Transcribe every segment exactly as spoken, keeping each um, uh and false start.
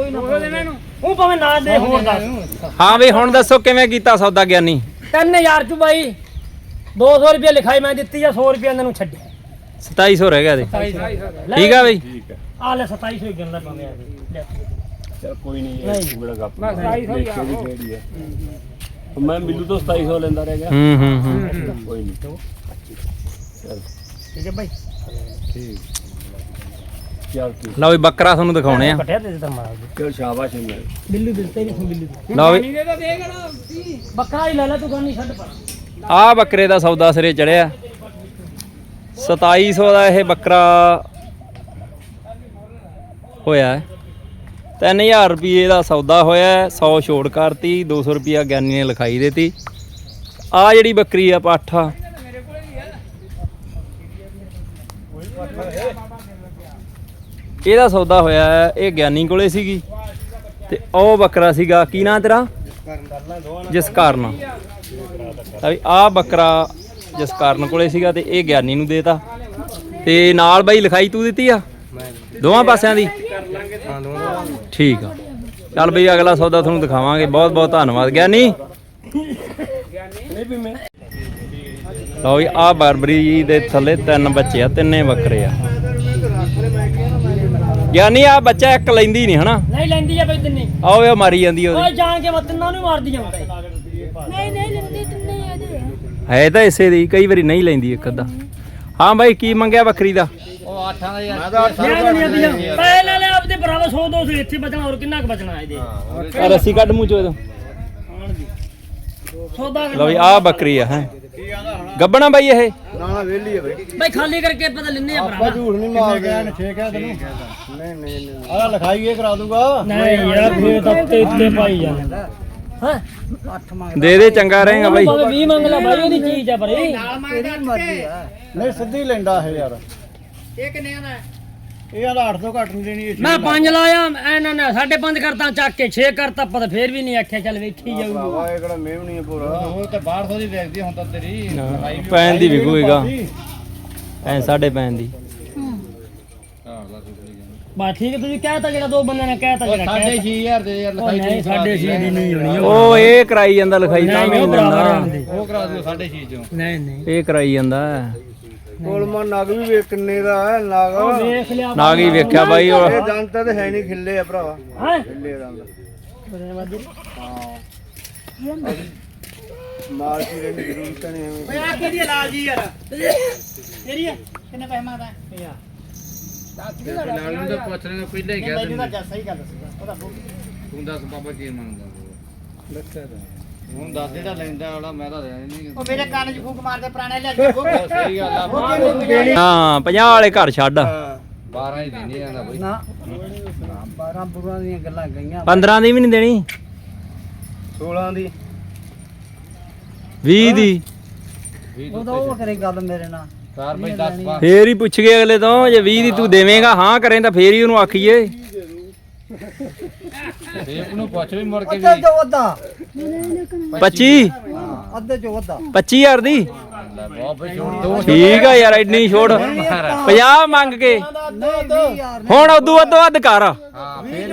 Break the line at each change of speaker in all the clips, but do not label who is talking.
ਕੋਈ ਨਾ ਉਹ ਭਾਵੇਂ ਨਾ ਦੇ ਹੋਰ ਦੱਸ।
ਹਾਂ ਬਈ ਹੁਣ ਦੱਸੋ ਕਿਵੇਂ ਕੀਤਾ ਸੌਦਾ ਗਿਆਨੀ?
ਤਿੰਨ ਹਜ਼ਾਰ ਚ ਬਾਈ ਦੋ ਸੌ ਰੁਪਏ ਲਿਖਾਈ ਮੈਂ ਦਿੱਤੀ ਆ, ਸੌ ਰੁਪਏ ਇਹਨਾਂ ਨੂੰ ਛੱਡਿਆ,
ਸਤਾਈ ਸੌ ਰਹਿ ਗਿਆ ਦੇ। ਠੀਕ ਆ ਬਈ,
ਆ ਲੈ ਸਤਾਈ ਸੌ ਹੀ ਗਿਣ ਲੈ ਭਾਵੇਂ ਆ
ਚਲ ਕੋਈ ਨਹੀਂ ਬੜਾ ਗੱਪ ਮੈਂ ਸਤਾਈ ਸੌ ਹੀ ਆ ਮੈਂ ਬਿੱਲੂ ਤੋਂ ਸਤਾਈ ਸੌ ਲੈਂਦਾ ਰਹਿ ਗਿਆ।
ਹੂੰ ਹੂੰ ਹੂੰ
ਕੋਈ ਨਹੀਂ ਚਲ
ਠੀਕ ਹੈ ਬਾਈ।
ਠੀਕ ਚੱਲ ਠੀਕ
ਲਓ ਵੀ ਬੱਕਰਾ ਤੁਹਾਨੂੰ ਦਿਖਾਉਣੇ ਆ।
ਕੱਟਿਆ ਦੇ ਦਿੱਤਾ ਮਾਰ
ਚਲ ਸ਼ਾਬਾਸ਼ ਇੰਦਰ
ਬਿੱਲੂ ਦਿੱਤੇ ਨਹੀਂ ਬਿੱਲੂ
ਲਓ ਵੀ
ਬੱਕਰਾ ਹੀ ਲੈ ਲੈ ਤੂੰ ਕੋਈ ਨਹੀਂ ਛੱਡ ਪਰ
ਆ ਬੱਕਰੇ ਦਾ ਸੌਦਾ ਸਿਰੇ ਚੜਿਆ ਸਤਾਈ ਸੌ ਦਾ ਇਹ ਬੱਕਰਾ ਹੋਇਆ ਹੈ। ਤਿੰਨ ਹਜ਼ਾਰ ਰੁਪਏ ਦਾ ਸੌਦਾ ਹੋਇਆ, ਸੌ ਛੋੜ ਕਰਤੀ, ਦੋ ਸੌ ਰੁਪਇਆ ਗਿਆਨੀ ਨੇ ਲਿਖਾਈ ਦੇਤੀ। ਆ ਜਿਹੜੀ ਬੱਕਰੀ ਆ ਪਾਠਾ ਇਹਦਾ ਸੌਦਾ ਹੋਇਆ ਹੈ, ਇਹ ਗਿਆਨੀ ਕੋਲੇ ਸੀਗੀ ਤੇ ਉਹ ਬੱਕਰਾ ਸੀਗਾ ਕੀ ਨਾਂ ਤੇਰਾ? ਜਿਸ ਕਾਰਨ ਆ ਬੱਕਰਾ ਜਿਸ ਕਾਰਨ ਕੋਲੇ ਸੀਗਾ ਤੇ ਇਹ ਗਿਆਨੀ ਨੂੰ ਦੇਤਾ ਤੇ ਨਾਲ ਬਾਈ ਲਿਖਾਈ ਤੂੰ ਦਿੱਤੀ ਆ ਦੋਵਾਂ ਪਾਸਿਆਂ ਦੀ? ਠੀਕ ਆ ਚੱਲ ਬਈ ਅਗਲਾ ਸੌਦਾ ਤੁਹਾਨੂੰ ਦਿਖਾਵਾਂਗੇ। ਬਹੁਤ ਬਹੁਤ ਧੰਨਵਾਦ ਗਿਆਨੀ। ਲਓ ਜੀ ਆ ਬਰਬਰੀ ਦੇ ਥੱਲੇ ਤਿੰਨ ਬੱਚੇ ਆ, ਤਿੰਨੇ ਬੱਕਰੇ ਆ। ਗਿਆਨੀ ਆ ਬੱਚਾ ਇੱਕ ਲੈਂਦੀ ਨਹੀਂ ਹਨਾ?
ਨਹੀਂ ਲੈਂਦੀ ਆ ਬਈ ਤਿੰਨੇ।
ਆਓ ਇਹ ਮਾਰੀ ਜਾਂਦੀ ਉਹਦੀ।
ਓਏ ਜਾਣ ਕੇ ਮੈਂ ਤਿੰਨਾਂ ਨੂੰ ਮਾਰਦੀ ਜਾਂਦਾ।
ਨਹੀਂ ਨਹੀਂ ਲੈਂਦੀ ਤਿੰਨੇ ਇਹਦੇ
ਹੈ ਤਾਂ ਇਸੇ ਦੀ, ਕਈ ਵਾਰੀ ਨਹੀਂ ਲੈਂਦੀ ਇੱਕ ਅੱਧਾ। ਹਾਂ ਬਾਈ ਕੀ ਮੰਗਿਆ ਬੱਕਰੀ ਦਾ?
ਉਹ ਅੱਠਾਂ ਦਾ ਯਾਰ ਪੈਸੇ ਲੈ ਲੈ ਆਪਦੇ ਭਰਾਵਾ ਸੌ ਦੋ ਸੌ ਇੱਥੇ ਬਚਣਾ, ਹੋਰ ਕਿੰਨਾ ਕੁ ਬਚਣਾ ਇਹਦੇ?
ਆ ਰੱਸੀ ਕੱਢ ਮੂੰਹ ਚੋਂ ਇਹਦਾ।
ਸੌਦਾ
ਲਓ ਵੀ ਆ ਬੱਕਰੀ ਆ ਹੈ ਗੱਬਣਾ ਬਾਈ ਇਹ?
ਨਾ ਨਾ ਵੇਲੀ ਹੈ ਬਈ
ਬਈ ਖਾਲੀ ਕਰਕੇ ਪਤਾ ਲੈਣੇ ਆ ਭਰਾਵਾ।
ਝੂਠ ਨਹੀਂ ਮਾਰਦੇ ਛੇ ਕਹਿ ਤੈਨੂੰ ਨਹੀਂ ਨਹੀਂ ਨਹੀਂ ਆਹ ਲਿਖਾਈ ਇਹ ਕਰਾ ਦੂੰਗਾ।
ਨਹੀਂ ਯਾਰ ਫੇਰ ਤਾਂ ਉੱਤੇ ਉੱਤੇ ਪਾਈ ਜਾਂਦਾ ਹਾਂ।
ਦੇ ਦੇ ਚੰਗਾ ਰਹੇਗਾ ਬਾਈ।
ਭਾਵੇਂ ਵੀਹ ਮੰਗ ਲੈ ਬਾਈ, ਉਹਦੀ ਚੀਜ਼ ਆ ਪਰ ਇਹ
ਨਹੀਂ ਸਿੱਧੀ ਲੈਂਦਾ ਇਹ ਯਾਰ।
ਇਹ ਕਿੰਨੇ ਦਾ?
ਇਹ ਆਲਾ ਅੱਠ ਤੋਂ ਘੱਟ ਨਹੀਂ ਦੇਣੀ।
ਮੈਂ ਪੰਜ ਲਾਇਆ ਇਹਨਾਂ ਨੇ ਸਾਢੇ ਪੰਜ ਕਰਤਾ ਚੱਕ ਕੇ ਛੇ ਕਰਤਾ, ਪਤਾ ਫੇਰ ਵੀ ਨਹੀਂ ਆਖਿਆ ਚੱਲ ਵੇਖੀ ਜਾਊਗੀ।
ਵਾਹ ਇਹ ਕਿਹੜਾ ਮੇਵ ਨਹੀਂ ਪੂਰਾ ਉਹ ਤੇ ਬਾਹਰ ਤੋਂ ਦੀ ਵੇਖਦੀ ਹੁਣ ਤਾਂ ਤੇਰੀ
ਪੈਣ ਦੀ ਵਿਕੂਗਾ ਐ ਸਾਢੇ ਪੈਣ ਦੀ।
ਬਸ ਠੀਕ ਹੈ, ਤੁਸੀਂ ਕਹਿਤਾ ਜਿਹੜਾ ਦੋ ਬੰਦੇ ਨੇ ਕਹਿਤਾ ਜਿਹੜਾ
ਸਾਢੇ ਛੇ ਹਜ਼ਾਰ ਦੇ ਯਾਰ ਲਿਖਾਈ
ਨਹੀਂ ਸਾਢੇ ਛੇ ਦੀ ਨਹੀਂ ਹੋਣੀ
ਉਹ ਇਹ ਕਰਾਈ ਜਾਂਦਾ ਲਿਖਾਈ ਤਾਂ ਵੀ ਨਹੀਂ ਦਿੰਦਾ।
ਉਹ ਕਰਾ ਦਿਓ ਸਾਢੇ ਛੇ ਚੋਂ।
ਨਹੀਂ ਨਹੀਂ
ਇਹ ਕਰਾਈ ਜਾਂਦਾ
ਕੋਲਮਾ ਨਗ ਵੀ ਵੇਖ ਕਿੰਨੇ ਦਾ ਹੈ ਨਗ।
ਵੇਖ ਲਿਆ
ਨਾਗ ਹੀ ਵੇਖਿਆ ਬਾਈ। ਉਹ
ਇਹ ਦੰਦ ਤਾਂ ਹੈ ਨਹੀਂ ਖਿੱਲੇ ਆ ਭਰਾਵਾ।
ਹਾਂ
ਖਿੱਲੇ ਦੰਦ
ਧੰਨਵਾਦ ਜੀ।
ਮਾਲ ਕੀ ਰਹਿਣ ਦੀ ਜ਼ਰੂਰਤ ਨਹੀਂ ਐਵੇਂ।
ਓਏ ਆ ਕਿਹਦੀ ਲਾਲ ਜੀ ਯਾਰ ਤੇਰੀ ਹੈ? ਕਿੰਨੇ ਪੈਸੇ ਮੰਗਦਾ ਹੈ?
ਲਾਲ ਨੂੰ ਤਾਂ ਪੁੱਛ ਲੈਣਾ ਪਹਿਲਾਂ ਹੀ ਕਹਿ
ਮੈਨੂੰ
ਦਿੰਦਾ।
ਤਾਂ ਸਹੀ ਗੱਲ ਦੱਸਦਾ ਉਹਦਾ
ਤੂੰ ਦੱਸ ਬਾਬਾ ਕੀ ਮੰਗਦਾ?
ਦੱਸਿਆ ਤਾਂ
ਹੁਣ ਦੱਸ ਜਿਹੜਾ ਲੈਂਦਾ ਵਾਲਾ ਮੈਂ ਤਾਂ ਦੇਣਾ ਨਹੀਂ।
ਉਹ ਮੇਰੇ ਕੰਨ 'ਚ ਫੂਕ ਮਾਰਦੇ ਪੁਰਾਣੇ ਲੈ
ਸਹੀ ਗੱਲ ਆ।
ਹਾਂ ਪੰਜਾਹ ਵਾਲੇ ਘਰ ਛੱਡ
ਬਾਰਾਂ ਹੀ ਦੇਣੀ ਜਾਂਦਾ ਬਈ।
ਨਾ ਬਾਰਾਂ ਬੁਰਾਂ ਦੀਆਂ ਗੱਲਾਂ ਗਈਆਂ।
ਪੰਦਰਾਂ ਦੀ ਵੀ ਨਹੀਂ ਦੇਣੀ,
ਸੋਲਾਂ ਦੀ
ਵੀਹ ਦੀ
ਉਹਦਾ ਉਹ ਕਰੇ ਗੱਲ ਮੇਰੇ ਨਾਲ।
ਚਾਰ ਬਈ ਦਸ ਪਾ
ਫੇਰ ਹੀ ਪੁੱਛ ਗਏ ਅਗਲੇ ਤੋਂ। ਜੇ ਵੀਹ ਦੀ ਤੂੰ ਦੇਵੇਂਗਾ ਹਾਂ ਕਰੇ ਤਾਂ ਫੇਰ ਹੀ ਉਹਨੂੰ ਆਖੀਏ।
ਦੇਖ ਨੂੰ ਪੁੱਛ ਵੀ ਮੁੜ ਕੇ ਵੀ
ਪੱਚੀ
ਅੱਧੇ ਚੋਂ ਅੱਧਾ
ਪੱਚੀ ਹਜ਼ਾਰ ਦੀ।
ਬਹੁਤ ਬਈ ਛੋੜ ਦੋ।
ਠੀਕ ਆ ਯਾਰ ਐਡੀ ਛੋੜ ਪੰਜਾਹ ਮੰਗ ਕੇ ਹੁਣ ਉਦੋਂ ਵੱਧ ਵੱਧ ਕਰ।
ਹਾਂ ਫੇਰ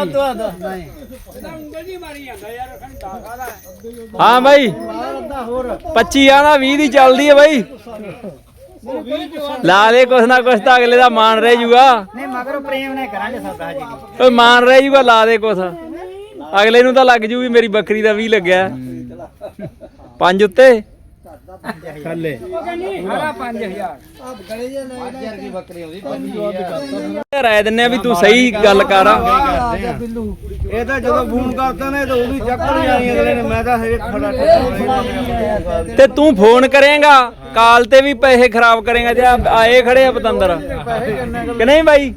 ਹਾਂ ਬਾਈ ਪੱਚੀ ਆ ਨਾ ਵੀਹ ਦੀ ਚੱਲਦੀ ਹੈ ਬਾਈ। ਲਾ ਦੇ ਕੁਛ ਨਾ ਕੁਛ ਤਾਂ ਅਗਲੇ ਦਾ ਮਾਨ ਰਹਿ ਜੂਗਾ।
ਨਹੀਂ ਮਗਰ ਪ੍ਰੇਮ ਨੇ ਕਰਾਂਗੇ ਸੌਦਾ ਜੀ।
ਓਏ ਮਾਨ ਰਹਿ ਜੂਗਾ, ਲਾ ਦੇ ਕੁਛ ਅਗਲੇ ਨੂੰ ਤਾਂ ਲੱਗ ਜੂ ਵੀ ਮੇਰੀ ਬੱਕਰੀ ਦਾ ਵੀਹ ਲੱਗਿਆ। ਪੰਜ ਉੱਤੇ
ਥੱਲੇ
ਰਾਏ ਦਿੰਨੇ ਆ ਵੀ ਤੂੰ ਸਹੀ ਗੱਲ ਕਰ।
ਇਹ ਤਾਂ ਜਦੋਂ ਫੋਨ ਕਰਦਾ ਨੇ ਤਾਂ ਉਹ ਵੀ ਚੱਕ ਨਹੀਂ ਆਈ ਅਗਲੇ ਨੇ। ਮੈਂ ਤਾਂ ਹਜੇ ਖੜਾ
ਤੇ ਤੂੰ ਫੋਨ ਕਰੇਗਾ ਕਾਲ ਤੇ ਵੀ ਪੈਸੇ ਖਰਾਬ ਕਰੇਗਾ ਜੇ ਆਏ ਖੜੇ ਆ ਪਤੰਦਰ ਕਿ ਨਹੀਂ ਬਾਈ?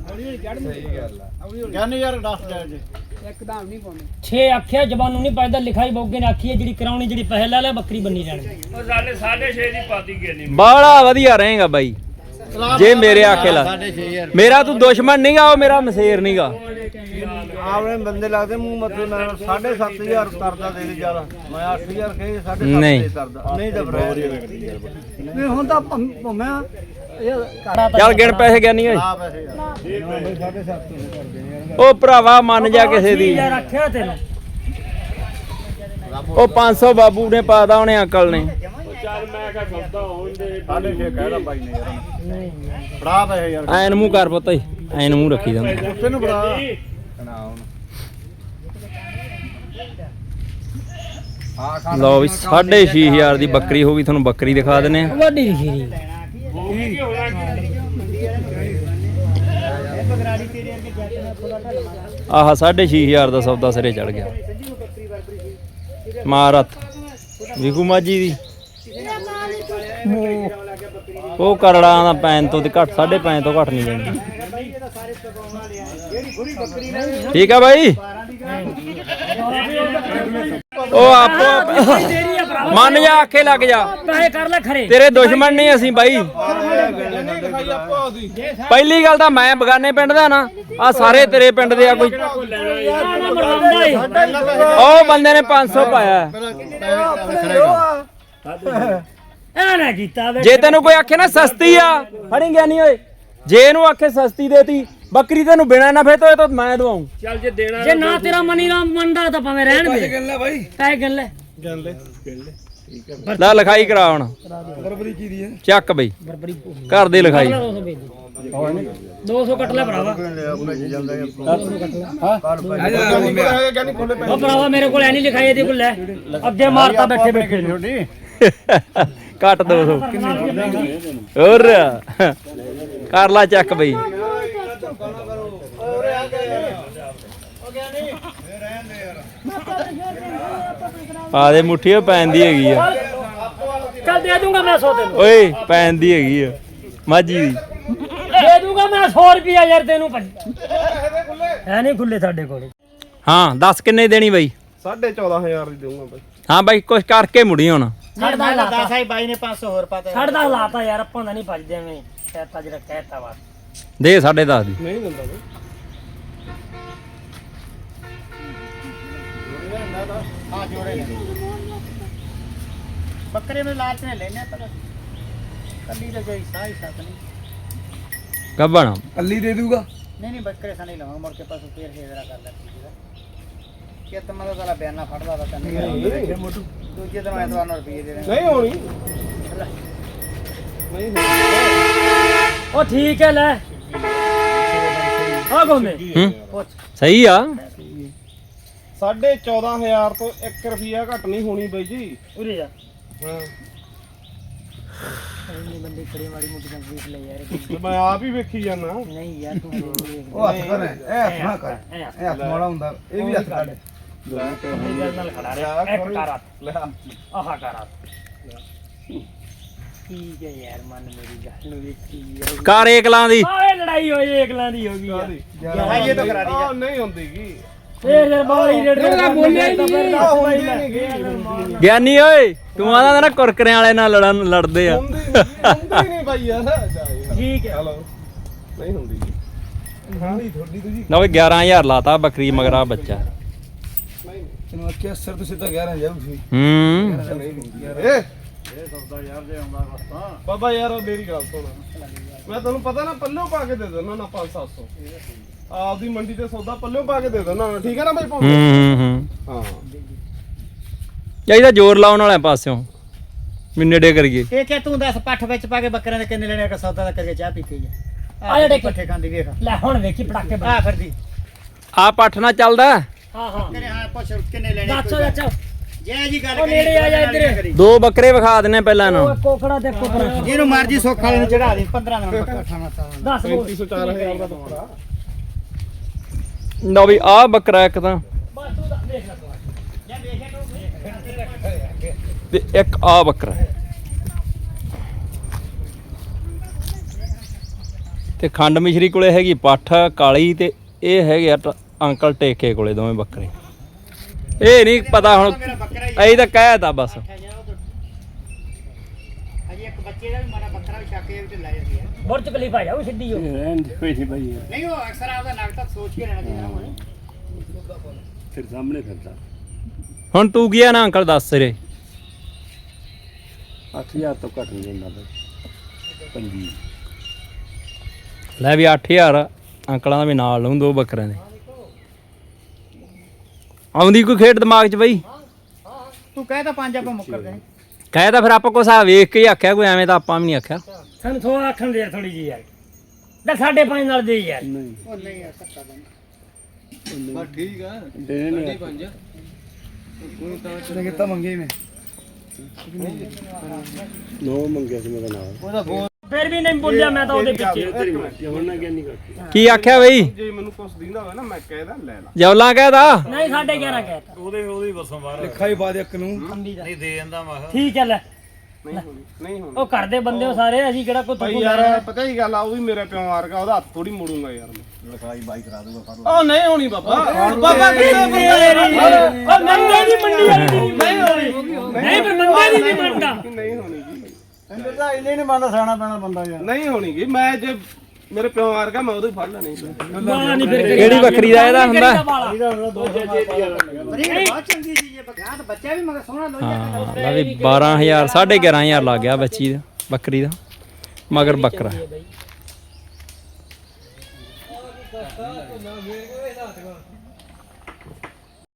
ਗਿਆਨੀ ਯਾਰ ਦੱਸ ਜਾ ਜੀ
ਇੱਕਦਮ ਨਹੀਂ ਪਾਉਂਦੇ। ਛੇ ਆਖਿਆ ਜ਼ਬਾਨੋਂ ਨਹੀਂ ਪੈਦਾ ਲਿਖਾਈ ਬੋਗੇ ਨੇ ਆਖੀ ਹੈ ਜਿਹੜੀ ਕਰਾਉਣੀ ਜਿਹੜੀ ਪੈਸੇ ਲੈ ਲੈ ਬੱਕਰੀ ਬੰਨੀ ਜਾਣੀ।
ਉਹ ਸਾਡੇ ਸਾਢੇ ਛੇ ਦੀ ਪਾਤੀ ਗਈ
ਬਾਲਾ ਵਧੀਆ ਰਹੇਗਾ ਬਾਈ ਜੇ ਮੇਰੇ ਆਖੇ ਲਾ। ਮੇਰਾ ਤੂੰ ਦੁਸ਼ਮਣ ਨਹੀਂਗਾ, ਉਹ ਮੇਰਾ ਮਸੇਰ ਨਹੀਂਗਾ।
ਆਪਣੇ ਬੰਦੇ ਲੱਗਦੇ ਮੂੰਹ ਮੱਥੇ ਨਾਲ ਸਾਢੇ ਸੱਤ ਹਜ਼ਾਰ ਕਰਦਾ ਦੇ ਦੇ ਜ਼ਿਆਦਾ। ਮੈਂ ਅੱਠ ਹਜ਼ਾਰ ਕਹੇ ਸਾਢੇ
ਨਹੀਂ।
ਸੱਤ ਕਰਦਾ ਨਹੀਂ ਤਾਂ ਬਰਾਬਰ
ਨਹੀਂ ਹੁਣ ਤਾਂ ਭੁੰਮਿਆ
ਚੱਲ ਗਿਣ ਪੈਸੇ ਗਿਆ ਨਹੀਂ ਓਏ।
ਆ ਪੈਸੇ ਯਾਰ ਸਾਢੇ ਸੱਤ ਕਰਦੇ ਨੇ ਯਾਰ।
ਉਹ ਭਰਾਵਾ ਮੰਨ ਜਾ ਕਿਸੇ ਦੀ
ਯਾਰ ਰੱਖਿਆ ਤੈਨੂੰ
ਉਹ ਪੰਜ ਸੌ ਬਾਬੂ ਨੇ ਪਾਦਾ ਉਹਨੇ ਅੰਕਲ ਨੇ
ਚੱਲ ਮੈਂ ਕਿਹਾ ਸੌਦਾ ਹੋਣ ਦੇ
ਸਾਡੇ ਛੇ ਕਹਿਦਾ ਬਾਈ ਨੇ ਯਾਰ ਫੜਾ ਪਏ ਯਾਰ
ਐਨ ਮੂੰਹ ਕਰ ਪੁੱਤ ਐਨ ਮੂੰਹ ਰੱਖੀ ਜਾਂਦਾ
ਤੈਨੂੰ ਫੜਾ ਨਾ ਹੁਣ ਹਾਂ ਖਾ
ਲਓ ਵੀ ਸਾਢੇ ਛੇ ਹਜ਼ਾਰ ਦੀ ਬੱਕਰੀ ਹੋ ਗਈ ਤੁਹਾਨੂੰ ਬੱਕਰੀ ਦਿਖਾ ਦਿੰਨੇ ਆ
ਵੱਡੀ ਖੀਰੀ
ਆਹ ਸਾਢੇ ਛੇ ਹਜ਼ਾਰ ਦਾ ਸੌਦਾ ਸਿਰੇ ਚੜ ਗਿਆ ਮਾਰਤ ਵਿਕੂ ਮਾਜੀ ਦੀ ਉਹ ਕਰੜਾਂ ਦਾ ਪੈਨ ਤੋਂ ਤੇ ਘੱਟ ਸਾਢੇ ਪੈਨ ਤੋਂ ਘੱਟ ਨਹੀਂ ਜਾਂਦੀ ਠੀਕ ਆ ਬਾਈ ਉਹ ਆਪੋ ਮੰਨ ਜਾ ਆਖੇ ਲੱਗ ਜਾ
ਪੈਸੇ ਕਰ ਲੈ ਖਰੇ
ਤੇਰੇ ਦੁਸ਼ਮਣ ਨਹੀਂ ਅਸੀਂ ਬਾਈ ਪਹਿਲੀ ਗੱਲ ਤਾਂ ਮੈਂ ਬਗਾਨੇ ਪਿੰਡ ਦਾ ਨਾ ਆ ਸਾਰੇ ਤੇਰੇ ਪਿੰਡ ਦੇ ਆ ਕੋਈ ਉਹ ਬੰਦੇ ਨੇ ਪੰਜ ਸੌ ਪਾਇਆ
ਐ ਨਾ ਕੀਤਾ ਵੇ
ਜੇ ਤੈਨੂੰ ਕੋਈ ਆਖੇ ਨਾ ਸਸਤੀ ਆ ਫੜੀ ਗਿਆ ਨਹੀਂ ਓਏ ਜੇ ਇਹਨੂੰ ਆਖੇ ਸਸਤੀ ਦੇਤੀ ਬੱਕਰੀ ਤੈਨੂੰ ਬਿਨਾ ਨਾ ਫੇ ਤੋਏ ਤਾਂ ਮੈਂ ਦਵਾਉਂ
ਚੱਲ ਜੇ ਦੇਣਾ
ਜੇ ਨਾ ਤੇਰਾ ਮਨੀ ਰਾਮ ਮੰਨਦਾ ਤਾਂ ਭਾਵੇਂ ਰਹਿਣ ਦੇ ਗੱਲ ਹੈ ਬਾਈ ਕਾਹ ਗੱਲ ਹੈ
ਲੈ ਲਿਖਾਈ ਕਰਾ ਹੁਣ
ਬਰਬਰੀ ਕੀ ਦੀ ਹੈ
ਚੱਕ ਬਈ
ਬਰਬਰੀ
ਘਰ ਦੀ ਲਿਖਾਈ
ਦੋ ਸੌ ਕੱਟ ਲੈ ਭਰਾਵਾ ਉਹ ਭਰਾਵਾ ਮੇਰੇ ਕੋਲ ਐ ਨਹੀਂ ਲਿਖਾਈ ਇਹਦੇ ਕੋਲ ਲੈ ਅੱਗੇ ਮਾਰਤਾ ਬੈਠੇ ਬੈਠੇ ਨੂੰ
ਕੱਟ ਦੋ ਸੌ ਹੋਰ ਕਰ ਲਾ ਚੱਕ ਬਈ ਪਾ ਦੇ ਮੁੱਠੀ ਪੈਂਦੀ ਹੈਗੀ ਆ
ਚੱਲ ਦੇ ਦੂੰਗਾ ਮੈਂ ਸੌ ਤੈਨੂੰ
ਓਏ ਪੈਂਦੀ ਹੈਗੀ ਆ ਮਾਜੀ ਦੀ
ਦੇ ਦੂੰਗਾ ਮੈਂ ਸੌ ਰੁਪਿਆ ਯਾਰ ਤੈਨੂੰ ਹੈ ਨਹੀਂ ਖੁੱਲੇ ਸਾਡੇ ਕੋਲ
ਹਾਂ ਦੱਸ ਕਿੰਨੇ ਦੇਣੀ ਬਾਈ
ਸਾਢੇ ਚੌਦਾਂ ਹਜ਼ਾਰ ਦੀ ਦੇਵਾਂਗਾ ਬਾਈ
ਹਾਂ ਬਾਈ ਕੁਛ ਕਰਕੇ ਮੁੜੀ ਹੁਣ
ਛੱਡਦਾ ਲਾਤਾ
ਸਾਈ ਬਾਈ ਨੇ ਪੰਜ ਸੌ ਹੋਰ ਪਾਤਾ
ਛੱਡਦਾ ਲਾਤਾ ਯਾਰ ਆਪਾਂ ਦਾ ਨਹੀਂ ਭੱਜਦੇ ਐਵੇਂ ਕਹਿਤਾ ਜਿਹੜਾ ਕਹਿਤਾ ਵਾ
ਦੇ ਸਾਢੇ ਦਸ ਦੀ
ਨਹੀਂ ਦਿੰਦਾ ਬਾਈ
ਹਾਂ ਜੋੜੇ ਨੇ ਬੱਕਰੇ ਨੂੰ ਲਾਲਚ ਨੇ ਲੈਣੇ ਪਰ ਕੱਲੀ ਦਾ ਜਾਈ ਸਾਈ ਸਾਥ ਨਹੀਂ
ਗੱਬਣ
ਕੱਲੀ ਦੇ ਦੂਗਾ ਨਹੀਂ ਨਹੀਂ ਬੱਕਰੇ ਸਾਂ ਨਹੀਂ ਲਵਾਂਗਾ ਮੁੜ ਕੇ ਪਾਸੋਂ ਫੇਰ ਫੇਰ ਕਰ ਲੈ ਕਿ ਤਮਾ ਦਾ ਤਲਾ ਬਿਆਨਾ ਫੜਦਾ ਤਾਂ ਨਹੀਂ ਦੂਜੇ ਦਿਨ ਐਤਵਾਰ ਨੂੰ ਰੁਪਏ ਦੇ
ਨਹੀਂ ਹੋਣੀ ਨਹੀਂ
ਉਹ ਠੀਕ ਹੈ ਲੈ ਆ ਗੋਮੇ
ਹੂੰ ਸਹੀ ਆ
ਸਾਢੇ ਚੌਦਾਂ ਹਜ਼ਾਰ ਤੋਂ ਇੱਕ ਰੁਪਿਆ ਘੱਟ ਨਹੀਂ ਹੋਣੀ ਬਾਈ ਜੀ
ਉਰੇ ਜਾ
ਹਾਂ
ਇੰਨੇ ਬੰਦੇ ਖੜੇ ਮਾੜੀ ਮੋਟੀ ਗੱਲ ਦੇਖ ਲੈ ਯਾਰ
ਮੈਂ ਆਪ ਹੀ ਵੇਖੀ ਜਾਣਾ
ਨਹੀਂ ਯਾਰ ਤੂੰ
ਉਹ ਹੱਥ ਕਰ ਇਹ ਹੱਥ ਨਾ ਕਰ ਇਹ ਹੱਥ ਮੋੜਾ ਹੁੰਦਾ ਇਹ ਵੀ ਹੱਥ ਕੱਢ
ਨਾਲ ਖੜਾ ਰਿਹਾ ਇੱਕ ਕਾਰਾ
ਲੈ
ਆਹਾ ਕਾਰਾ ਠੀਕ ਹੈ ਯਾਰ ਮਨ ਮੇਰੀ ਗੱਲ ਨੂੰ ਵੇਖੀ ਯਾਰ
ਕਰ ਏਕਲਾਂ ਦੀ
ਆਏ ਲੜਾਈ ਹੋਈ ਏਕਲਾਂ ਦੀ ਹੋ ਗਈ ਯਾਰ
ਭਾਈ ਇਹ ਤਾਂ ਕਰਾ
ਆ ਨਹੀਂ ਹੁੰਦੀ ਗੀ
ਫੇਰ ਜਰ ਬਾਈ ਰੇਡ ਦਾ ਬੋਲਿਆ ਹੀ ਨਹੀਂ
ਗਿਆਨੀ ਓਏ ਤੂੰ ਆਦਾ ਨਾ ਕੁਰਕਰਿਆਂ ਵਾਲੇ ਨਾਲ ਲੜਨ ਲੜਦੇ ਆ
ਹੁੰਦੀ ਹੁੰਦੀ ਨਹੀਂ ਬਾਈ ਯਾਰ
ਠੀਕ ਹੈ
ਹਲੋ ਨਹੀਂ ਹੁੰਦੀ ਹਾਂ ਨਹੀਂ ਥੋੜੀ ਤੁਸੀਂ
ਨਾ ਓਏ ਗਿਆਰਾਂ ਹਜ਼ਾਰ ਲਾਤਾ ਬੱਕਰੀ ਮਗਰਾ ਬੱਚਾ
ਤੈਨੂੰ ਅੱਖੇ ਅਸਰ ਤੋਂ ਸਿੱਧਾ ਗਿਆਰਾਂ ਜਾਊ ਸੀ
ਹੂੰ
ਏ ਇਹ ਸੌਦਾ ਯਾਰ ਜੇ ਆਉਂਦਾ ਵਸਤਾ ਬਾਬਾ ਯਾਰ ਉਹ ਮੇਰੀ ਗੱਲ ਸੁਣ ਮੈਂ ਤੁਹਾਨੂੰ ਪਤਾ ਨਾ ਪੱਲਿਓ ਪਾ ਕੇ ਦੇ ਦਿੰਦਾ ਨਾ ਪੰਜ ਸੱਤ ਸੌ ਆਪਦੀ ਮੰਡੀ ਤੇ ਸੌਦਾ ਪੱਲਿਓ ਪਾ ਕੇ ਦੇ ਦਿੰਦਾ ਠੀਕ ਹੈ ਨਾ ਬਾਈ
ਹੂੰ ਹੂੰ ਹੂੰ
ਹਾਂ
ਚਾਹੀਦਾ ਜ਼ੋਰ ਲਾਉਣ ਵਾਲੇ ਪਾਸਿਓਂ ਵੀ ਨੇੜੇ ਕਰੀਏ
ਇਹ ਕਿ ਤੂੰ ਦੱਸ ਪੱਠ ਵਿੱਚ ਪਾ ਕੇ ਬੱਕਰਿਆਂ ਦੇ ਕਿੰਨੇ ਲੈਣੇ ਕਿ ਸੌਦਾ ਦਾ ਕਰਕੇ ਚਾਹ ਪੀਤੀ ਜਾ
ਆ ਜਿਹੜੇ
ਪੱਠੇ ਖਾਂਦੀ ਵੇਖ
ਲੈ ਹੁਣ ਵੇਖੀ ਪਟਾਕੇ
ਆ ਫਿਰਦੀ
ਆ ਪੱਠ ਨਾ ਚੱਲਦਾ
ਹਾਂ ਹਾਂ
ਤੇਰੇ ਹਾਂ ਪੁੱਛ ਕਿੰਨੇ ਲੈਣੇ
ਦੱਸੋ ਚਾਚਾ
ਜੈ ਜੀ ਗੱਲ
ਉਹ ਨੇੜੇ ਆ ਜਾ ਇੱਧਰ
ਦੋ ਬੱਕਰੇ ਵਿਖਾ ਦਿੰਨੇ ਪਹਿਲਾਂ
ਉਹ
ਨਾ
ਕੋਕੜਾ ਤੇ ਕੋਕੜਾ
ਜਿਹਨੂੰ ਮਰਜੀ ਸੁੱਖ ਵਾਲੇ ਨੂੰ ਚੜਾ ਦੇ ਪੰਦਰਾਂ ਦਿਨ ਬੱਕਰਾ ਖਾਣਾ ਤਾਂ
ਦੱਸ ਬੋਲ
ਪੈਂਤੀ ਸੌ ਚਾਰ ਹਜ਼ਾਰ ਦਾ ਬੱਕਰਾ
ਲਓ ਵੀ ਆ ਬੱਕਰਾ ਇੱਕ ਤਾਂ
ਬਸ ਤੂੰ ਦੱਸ ਦੇਖ ਲੈ ਤੂੰ ਜਾਂ ਦੇਖੇ ਤੂੰ
ਤੇ ਇੱਕ ਆ ਬੱਕਰਾ ਤੇ ਖੰਡ ਮਿਸ਼ਰੀ ਕੋਲੇ ਹੈਗੀ ਪੱਠ ਕਾਲੀ ਤੇ ਇਹ ਹੈਗੇ ਆ ਟ- ਅੰਕਲ ਟੇਕੇ ਕੋਲੇ ਦੋਵੇਂ ਬੱਕਰੇ ਇਹ ਨਹੀਂ ਪਤਾ ਹੁਣ ਅਸੀਂ ਤਾਂ ਕਹਿਤਾ ਬਸ
ਅਜੇ ਇੱਕ ਬੱਚੇ ਦਾ ਵੀ ਮਾੜਾ ਬੱਕਰਾ ਵੀ ਛੱਕੇ ਵਿੱਚ ਲੈ ਜਾਂਦੀ ਹੈ
ਬੁਰਜ ਖਲੀਫਾ ਜਾਓ ਸਿੱਧੀ ਹੋ
ਰਹਿਣ ਦੇ ਕੋਈ ਨਹੀਂ ਬਾਈ
ਨਹੀਂ ਉਹ ਅਕਸਰ ਆਪਦਾ ਨਗਤਾ ਸੋਚ ਕੇ ਰਹਿਣਾ ਚਾਹੀਦਾ ਉਹਨੇ
ਫਿਰ ਸਾਹਮਣੇ ਫਿਰਦਾ
ਹੁਣ ਤੂੰ ਗਿਆ ਨਾ ਅੰਕਲ ਦੱਸ ਰੇ
ਅੱਠ ਹਜ਼ਾਰ ਤੋਂ ਘੱਟ ਨਹੀਂ ਜਾਂਦਾ ਬਾਈ ਪੰਜੀ
ਲੈ ਵੀ ਅੱਠ ਹਜ਼ਾਰ ਅੰਕਲਾਂ ਦਾ ਵੀ ਨਾਲ ਲਊਂ ਦੋ ਬੱਕਰਿਆਂ ਦੇ ਆਉਂਦੀ ਕੋਈ ਖੇਡ ਦਿਮਾਗ 'ਚ ਬਈ
ਤੂੰ ਕਹਿ ਤਾਂ ਪੰਜ ਆਪਾਂ ਮੁੱਕਰਦੇ ਨਹੀਂ
ਕਹਿ ਤਾਂ ਫਿਰ ਆਪਾਂ ਕੁਛ ਆ ਵੇਖ ਕੇ ਹੀ ਆਖਿਆ ਕੋਈ ਐਵੇਂ ਤਾਂ ਆਪਾਂ ਵੀ ਨਹੀਂ ਆਖਿਆ
ਸਾਨੂੰ ਥੋੜਾ ਆਖਣ ਦੇ ਯਾਰ ਥੋੜੀ ਜੀ ਯਾਰ ਦਾ ਸਾਢੇ ਪੰਜ ਨਾਲ ਦੇ ਯਾਰ
ਉਹ ਨਹੀਂ ਯਾਰ ਧੱਕਾ ਦਾ
ਕਿਤਾ ਮੰਗੇ ਮੈਂ
ਫਿਰ ਵੀ ਨਹੀਂ ਬੋਲਿਆ ਮੈਂ ਤਾਂ ਉਹਦੇ ਪਿੱਛੇ
ਕੀ ਆਖਿਆ ਬਈ
ਜੇ ਮੈਨੂੰ ਕੁਛ ਦਿੰਦਾ ਹੋਵੇ ਨਾ ਮੈਂ ਕਹਿਦਾ ਲੈ ਲਾ
ਜੌਲਾਂ ਕਹਿਦਾ
ਨਹੀਂ ਸਾਢੇ ਗਿਆਰਾਂ ਕਹਿਤਾ
ਲਿਖਾ ਹੀ ਬਾਦ ਇੱਕ ਨੂੰ
ਨਹੀਂ ਦੇ ਜਾਂਦਾ ਮੈਂ ਠੀਕ ਹੈ ਲੈ
ਨਹੀਂ ਹੋਣੀ ਨਹੀਂ ਹੋਣੀ
ਉਹ ਘਰ ਦੇ ਬੰਦੇ ਹੋ ਸਾਰੇ ਅਸੀਂ ਕਿਹੜਾ ਕੋਈ
ਭਾਈ
ਤੁਕੂ
ਯਾਰ ਪਤਾ ਹੀ ਗੱਲ ਆ ਉਹ ਵੀ ਮੇਰੇ ਪਿਓ ਵਰਗਾ ਉਹਦਾ ਹੱਥ ਥੋੜੀ ਮੋੜੂੰਗਾ ਯਾਰ ਮੈਂ ਲਿਖਾਈ ਬਾਈ ਕਰਾ ਦੂੰਗਾ ਉਹ ਨਹੀਂ ਹੋਣੀ ਬਾਬਾ ਬਾਬਾ
ਉਹ ਮੰਗੇ ਦੀ ਮੰਡੀ ਵਾਲੀ ਦੀ ਨਹੀਂ ਹੋਣੀ ਨਹੀਂ ਪਰ ਮੰਗੇ ਦੀ ਨਹੀਂ ਮੰਨਦਾ
ਨਹੀਂ ਹੋਣੀ ਜੀ
ਇਹਨੇ ਤਾਂ ਇਹਨੇ ਨਹੀਂ ਮੰਨਦਾ ਸਿਆਣਾ ਪੈਣਾ ਬੰਦਾ ਯਾਰ
ਨਹੀਂ ਹੋਣੀ ਜੀ ਮੈਂ ਜੇ ਮੇਰੇ ਪਿਓ ਵਰਗਾ ਮੈਂ ਉਦੋਂ ਹੀ ਫੜ ਲੈਣੀ ਸੀ
ਬਾਲਾ ਨਹੀਂ ਫਿਰ
ਕਿਹੜੀ ਬੱਕਰੀ ਦਾ ਇਹਦਾ ਹੁੰਦਾ
ਬਹੁਤ ਚੰਗੀ ਚੀਜ਼ ਹੈ ਬੱਕਰਾ ਤਾਂ ਬੱਚਾ ਵੀ ਮਗਰ ਸੋਹਣਾ ਲੋਈ
ਹਾਂ ਲਾ ਵੀ ਬਾਰਾਂ ਹਜ਼ਾਰ ਸਾਢੇ ਗਿਆਰਾਂ ਹਜ਼ਾਰ ਲੱਗ ਗਿਆ ਬੱਚੀ ਦਾ ਬੱਕਰੀ ਦਾ ਮਗਰ ਬੱਕਰਾ